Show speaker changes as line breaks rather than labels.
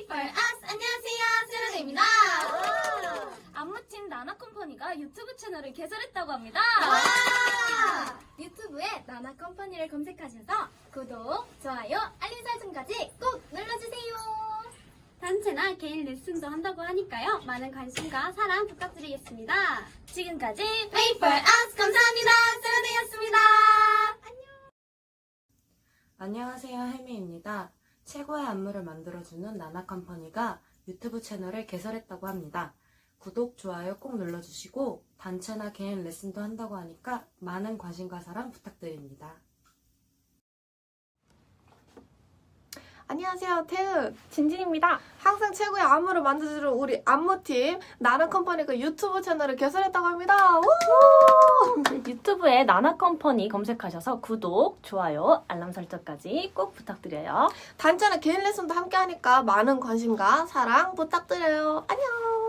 for us. 안녕하세요, 세라데입니다.
안무팀 나나컴퍼니가 유튜브 채널을 개설했다고 합니다.
유튜브에 나나컴퍼니를 검색하셔서 구독, 좋아요, 알림 설정까지 꼭 눌러주세요.
단체나 개인 레슨도 한다고 하니까요. 많은 관심과 사랑 부탁드리겠습니다. 지금까지
Pay for us. 감사합니다. 세라데였습니다.
안녕하세요, 혜미입니다. 최고의 안무를 만들어주는 나나컴퍼니가 유튜브 채널을 개설했다고 합니다. 구독, 좋아요 꼭 눌러주시고 단체나 개인 레슨도 한다고 하니까 많은 관심과 사랑 부탁드립니다.
안녕하세요, 태은 진진입니다. 항상 최고의 안무를 만들어주는 우리 안무팀 나나컴퍼니가 유튜브 채널을 개설했다고 합니다. 우!
유튜브에 나나컴퍼니 검색하셔서 구독, 좋아요, 알람 설정까지 꼭 부탁드려요.
단체나 개인 레슨도 함께 하니까 많은 관심과 사랑 부탁드려요. 안녕.